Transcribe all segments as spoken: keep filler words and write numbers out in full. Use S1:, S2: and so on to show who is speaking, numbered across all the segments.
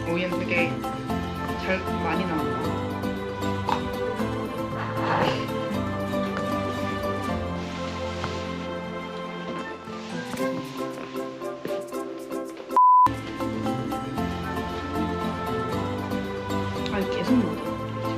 S1: 오, 얘는 되게 잘 많이 나온다. 아, 계속 먹어.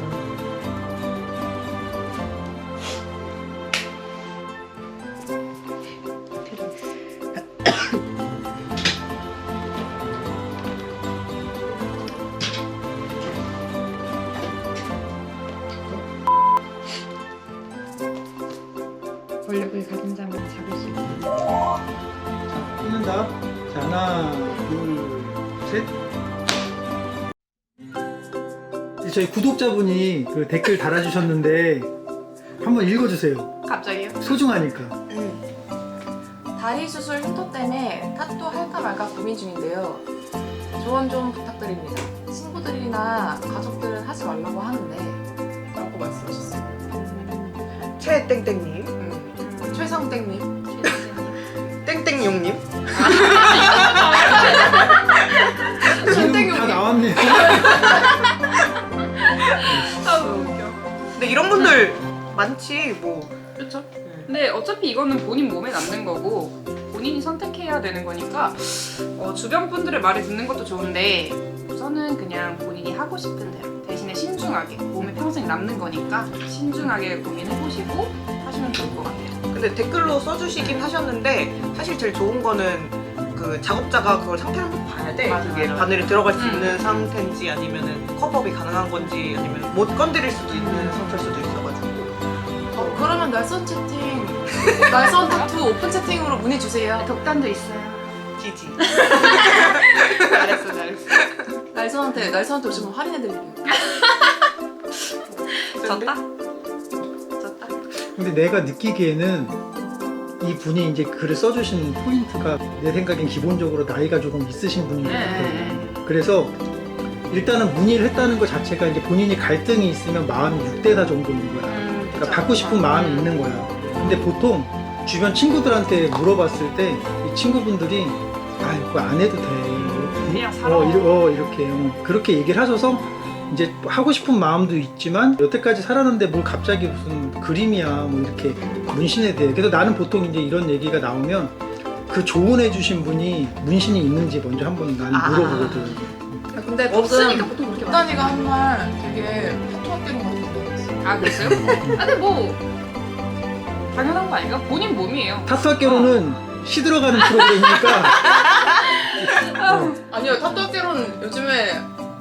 S1: 권력을 가진 자만 잡을 수 있다.
S2: 자, 끊는다. 자, 하나, 둘, 셋. 저희 구독자분이 그 댓글 달아주셨는데 한번 읽어주세요.
S1: 갑자기요?
S2: 소중하니까.
S3: 다리 수술 흉터 때문에 타투 할까 말까 고민 중인데요. 조언 좀 부탁드립니다. 친구들이나 가족들은 하지 말라고 하는데 라고 말씀하셨어요.
S4: 최땡땡님,
S3: 음. 최성땡님.
S4: 땡땡용님.
S2: 이름 다 나왔네요.
S1: 아, 너무 웃겨.
S4: 근데 이런 분들 많지 뭐.
S1: 그렇죠. 근데 어차피 이거는 본인 몸에 남는 거고 본인이 선택해야 되는 거니까 어, 주변 분들의 말을 듣는 것도 좋은데 우선은 그냥 본인이 하고 싶은 대로 대신에 신중하게 몸에 평생 남는 거니까 신중하게 고민해보시고 하시면 좋을 것 같아요.
S4: 근데 댓글로 써주시긴 하셨는데 사실 제일 좋은 거는 그 작업자가 그걸 상태를 한번 봐야 돼.
S1: 맞아,
S4: 그게
S1: 맞아.
S4: 바늘이 들어갈 수
S1: 음.
S4: 있는 상태인지 아니면은 컵업이 가능한 건지 아니면 못 건드릴 수도 있는 상태일 수도 있어가지고.
S3: 어, 그러면 날선 채팅, 날선 타투 오픈 채팅으로 문의 주세요.
S1: 독단도 있어요.
S4: 지지. 잘했어, 잘했어.
S3: 날선한테 날선한테 오시면 할인해드릴게요.
S1: 졌다? 졌다?
S2: 근데 내가 느끼기에는 이 분이 이제 글을 써주신 포인트가 내 생각엔 기본적으로 나이가 조금 있으신 분인 것 같아요.
S1: 네.
S2: 그래서 일단은 문의를 했다는 것 자체가 이제 본인이 갈등이 있으면 마음이 육 대 사 정도인 거야.
S1: 음,
S2: 그러니까
S1: 그쵸.
S2: 받고 싶은 마음이
S1: 음.
S2: 있는 거야. 근데 보통 주변 친구들한테 물어봤을 때 이 친구분들이 아 그거 안 해도 돼.
S1: 그냥 살아.
S2: 어, 이러, 어 이렇게 어, 그렇게 얘기를 하셔서 이제 하고 싶은 마음도 있지만 여태까지 살았는데 뭘 갑자기 무슨 그림이야 뭐 이렇게 문신에 대해. 그래서 나는 보통 이제 이런 얘기가 나오면 그 조언해 주신 분이 문신이 있는지 먼저 한번 나는
S4: 아.
S2: 물어보거든.
S3: 근데
S1: 없으니까
S3: 방금
S1: 보통 그렇게
S3: 국단이가 한 말 되게 타투 학교로 같은 거
S1: 아, 그랬어요? 아, 근데 뭐 당연한 거 아닌가? 본인 몸이에요.
S2: 타투학개로는 시들어가는 프로그램이니까 어,
S3: 아니요, 타투 학교로는 요즘에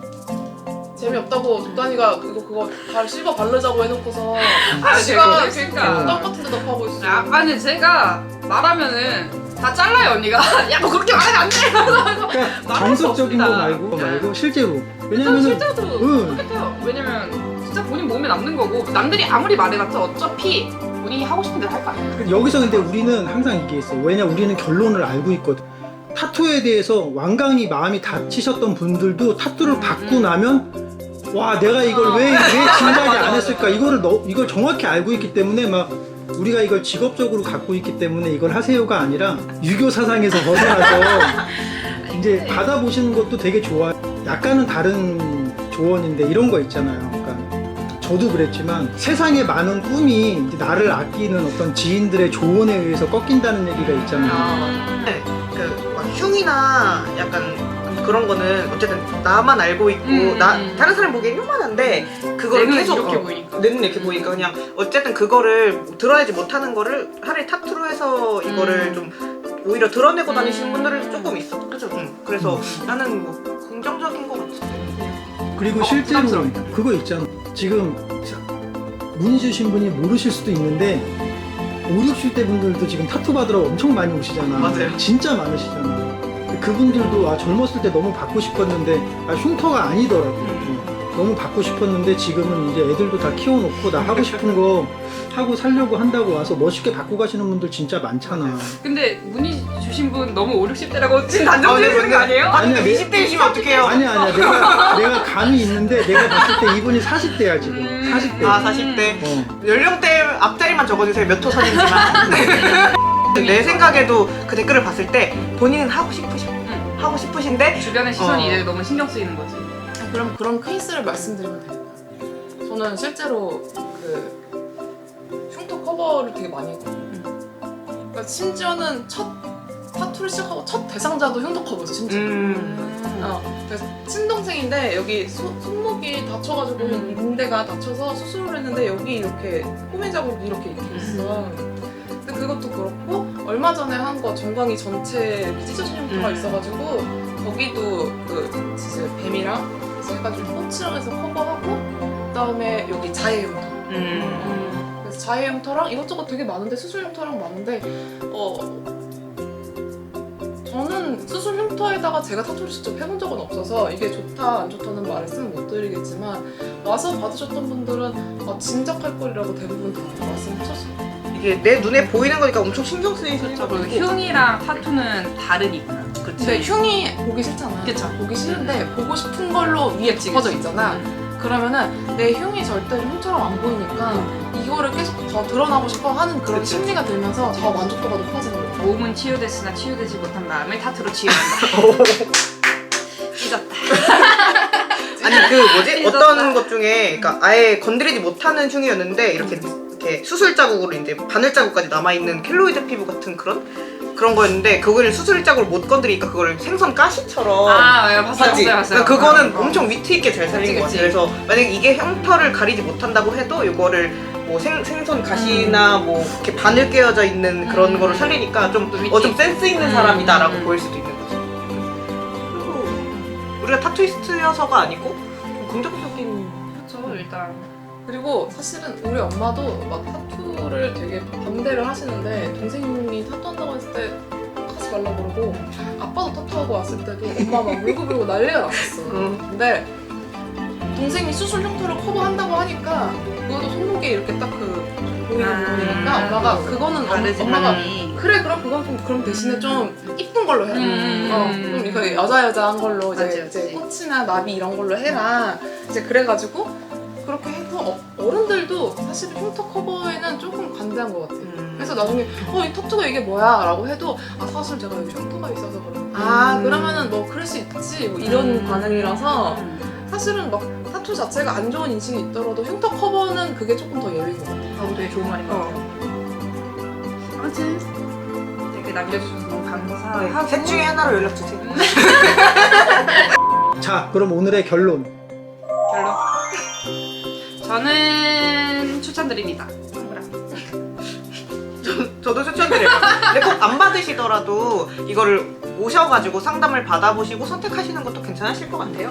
S3: 재미없다고 독단이가 그거 그거 발 실버 바르자고 해놓고서
S1: 아,
S3: 지가
S1: 그러니까.
S3: 그러니까 땅 같은 데다 파고 있어.
S1: 아, 아니 제가 말하면은 다 잘라요 언니가. 야 너 그렇게 말하면 안 돼.
S2: 그러니까 정석적인 거
S1: 없습니다.
S2: 말고 말고 실제로
S1: 저는
S2: 왜냐면은
S1: 실제로도
S2: 응.
S1: 똑같아요. 왜냐면 진짜 본인 몸에 남는 거고 남들이 아무리 말해봤자 어차피 본인이 하고 싶은 대로 할 거 아니에요.
S2: 여기서 근데 우리는 항상 얘기했어. 왜냐 우리는 결론을 알고 있거든. 타투에 대해서 완강히 마음이 다치셨던 분들도 타투를 받고 나면 와 내가 이걸 왜 왜 진작에 안 했을까 이거를 너, 이걸 정확히 알고 있기 때문에 막 우리가 이걸 직업적으로 갖고 있기 때문에 이걸 하세요가 아니라 유교 사상에서 벗어나서 이제 받아보시는 것도 되게 좋아. 약간은 다른 조언인데 이런 거 있잖아요. 그러니까 저도 그랬지만 세상에 많은 꿈이 이제 나를 아끼는 어떤 지인들의 조언에 의해서 꺾인다는 얘기가 있잖아요.
S4: 네, 그막 흉이나 약간 그런 거는 어쨌든 나만 알고 있고
S1: 음,
S4: 나
S1: 음.
S4: 다른 사람 보기엔 흉만한데 그걸
S1: 내 눈에
S4: 계속
S1: 이렇게
S4: 어,
S1: 보이니까.
S4: 내 눈에 이렇게 보이니까 그냥 어쨌든 그거를 드러내지 못하는 거를 하루에 타투로 해서 이거를
S1: 음.
S4: 좀 오히려 드러내고 다니시는
S1: 음.
S4: 분들은 조금 있어. 그죠? 응. 그래서 나는 뭐 긍정적인 거 같은데.
S2: 그리고
S1: 어,
S2: 실제로
S1: 부담스럽다.
S2: 그거 있잖아. 지금 자, 문의 주신 분이 모르실 수도 있는데 오십, 육십 대 분들도 지금 타투 받으러 엄청 많이 오시잖아.
S4: 맞아요.
S2: 진짜 많으시잖아. 근데 그분들도 아 젊었을 때 너무 받고 싶었는데 아 흉터가 아니더라고. 어, 너무 받고 싶었는데 지금은 이제 애들도 다 키워놓고 나 하고 싶은 거 하고 살려고 한다고 와서 멋있게 받고 가시는 분들 진짜 많잖아.
S1: 근데 문의 주신 분 너무 오, 육십 대라고 지금 단정 지으시는 거 아니에요?
S4: 아니
S2: 아니야, 내-
S4: 이십 대이시면 어떡해요?
S2: 아니야 아니야 내가 내가 감이 있는데 내가 봤을 때 이분이 사십 대야 지금.
S1: 음.
S2: 사십 대.
S4: 아 사십 대
S2: 어.
S4: 연령대 앞자리만 적어주세요. 몇 호선인지만. 내 생각에도 그 댓글을 봤을 때 본인은 하고 싶으셔.
S1: 응.
S4: 하고 싶으신데
S1: 주변의 시선이
S4: 어.
S1: 이제 너무 신경 쓰이는 거지.
S3: 그럼 그런 케이스를 말씀드리면 돼요. 저는 실제로 그 흉터 커버를 되게 많이 했거든요. 그러니까 심지어는 첫 타투를 시작하고 첫 대상자도 흉터 커버였어, 심지어.
S4: 음.
S3: 어, 그래서 친동생인데 여기 소, 손목이 다쳐가지고
S1: 음.
S3: 인대가 다쳐서 수술을 했는데 여기 이렇게 호미 자국이 이렇게 이렇게 있어. 근데 그것도 그렇고 얼마 전에 한 거 정강이 전체 이렇게 찢어진 흉터가
S4: 음.
S3: 있어가지고 거기도 그 진짜 뱀이랑 그래서 해가지고 꽃이랑해서 커버하고 그다음에 여기 자해 흉터.
S4: 음.
S3: 그래서 자해 흉터랑 이것저것 되게 많은데 수술 흉터랑 많은데 어. 저는 수술 흉터에다가 제가 타투를 직접 해본 적은 없어서 이게 좋다 안 좋다는 말씀은 못 드리겠지만 와서 받으셨던 분들은 어, 진작할 거리라고 대부분 다 말씀하셨어요.
S4: 이게 내 눈에 보이는 거니까 엄청 신경 쓰이셨죠.
S1: 그리고 흉이랑 타투는 다르니까.
S3: 근데 흉이 보기 싫잖아.
S1: 그쵸.
S3: 보기 싫은데 보고 싶은 걸로 위에
S1: 그치,
S3: 짚어져
S1: 그치.
S3: 있잖아.
S1: 음.
S3: 그러면은 내 흉이 절대로 흉처럼 안 보이니까 이거를 계속 더 드러나고 싶어 하는 그런
S4: 그치.
S3: 심리가 들면서 더 만족도가 높아지는 거야.
S1: 몸은 치유됐으나 치유되지 못한 마음을 타투로 치유한다. 찢었다.
S4: 아니 그 뭐지
S1: 찢었다.
S4: 어떤 것 중에 그러니까 아예 건드리지 못하는 흉이었는데 이렇게 이렇게 수술 자국으로 이제 바늘 자국까지 남아 있는 켈로이드 피부 같은 그런 그런 거였는데 그거를 수술 자국을 못 건드리니까 그걸 생선 가시처럼
S1: 아, 예, 봤어요,
S4: 하지.
S1: 봤어요, 봤어요.
S4: 그러니까 그거는
S1: 어, 어.
S4: 엄청 위트 있게 잘 살린 것
S3: 그치,
S4: 같아요.
S3: 그치.
S4: 그래서 만약 이게 흉터를 가리지 못한다고 해도 이거를 뭐 생, 생선 가시나 뭐 이렇게 바늘 깨어져 있는 그런
S1: 음.
S4: 거를 살리니까 좀
S1: 또 위트
S4: 어 좀 센스 있는
S1: 음.
S4: 사람이다라고
S1: 음.
S4: 보일 수도 있는 거죠. 그리고 우리가 타투이스트여서가 아니고 좀 긍정적인
S1: 그렇죠, 일단.
S3: 그리고 사실은 우리 엄마도 막 타투를 되게 반대를 하시는데 동생이 타투한다고 했을 때 하지 말라고 그러고 아빠도 타투하고 왔을 때도 엄마 막 울고불고 난리가 났었어.
S4: 음.
S3: 근데 동생이 수술 흉터를 커버한다고 하니까 그것도 손목에 이렇게 딱 그 보이는
S1: 아,
S3: 부분이니까 엄마가 그거는 엄-
S1: 다르지,
S3: 엄마가
S1: 당연히.
S3: 그래 그럼 그건 좀 그럼 대신에 좀 이쁜 걸로 해라.
S1: 음.
S3: 어, 좀 이거 여자 여자한 걸로 이제,
S1: 맞지,
S3: 이제
S1: 맞지.
S3: 꽃이나 나비 이런 걸로 해라. 이제 그래가지고 그렇게 해서 어, 어른들도 사실 흉터 커버에는 조금 관대한 것 같아요.
S4: 음.
S3: 그래서 나중에 어 이 타투가 이게 뭐야? 라고 해도 아 사실 제가 여기 흉터가 있어서 그래. 아
S1: 음.
S3: 그러면은 뭐 그럴 수 있지 뭐 이런
S1: 음.
S3: 반응이라서
S1: 음.
S3: 사실은 막 타투 자체가 안 좋은 인식이 있더라도 흉터 커버는 그게 조금 더 예외인 것 같아요.
S1: 아, 되게 좋은 말인 것
S4: 어.
S1: 같아요. 아무튼 댓글 남겨주셔서 너무
S4: 네,
S1: 감사하고.
S4: 셋 중에 하나로 연락 주세요.
S2: 자, 그럼 오늘의 결론.
S1: 결론. 저는 추천드립니다. 동그라미.
S4: 저도 추천드려요. 근데 꼭 안 받으시더라도 이거를 오셔가지고 상담을 받아보시고 선택하시는 것도 괜찮으실 것 같아요.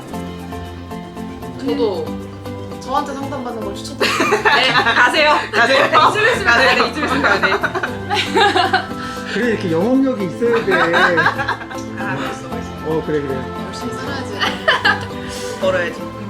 S3: 저도 저한테 상담받는 걸 추천드려요.
S1: 네, 가세요.
S4: 가세요.
S1: 이쯤 있으면 가야 돼. 이쯤 있으면 가야 돼.
S2: 그래, 이렇게 영업력이 있어야 돼.
S1: 아, 벌써 벌써.
S2: 어, 그래, 그래.
S3: 열심히 살아야지.
S4: 벌어야지.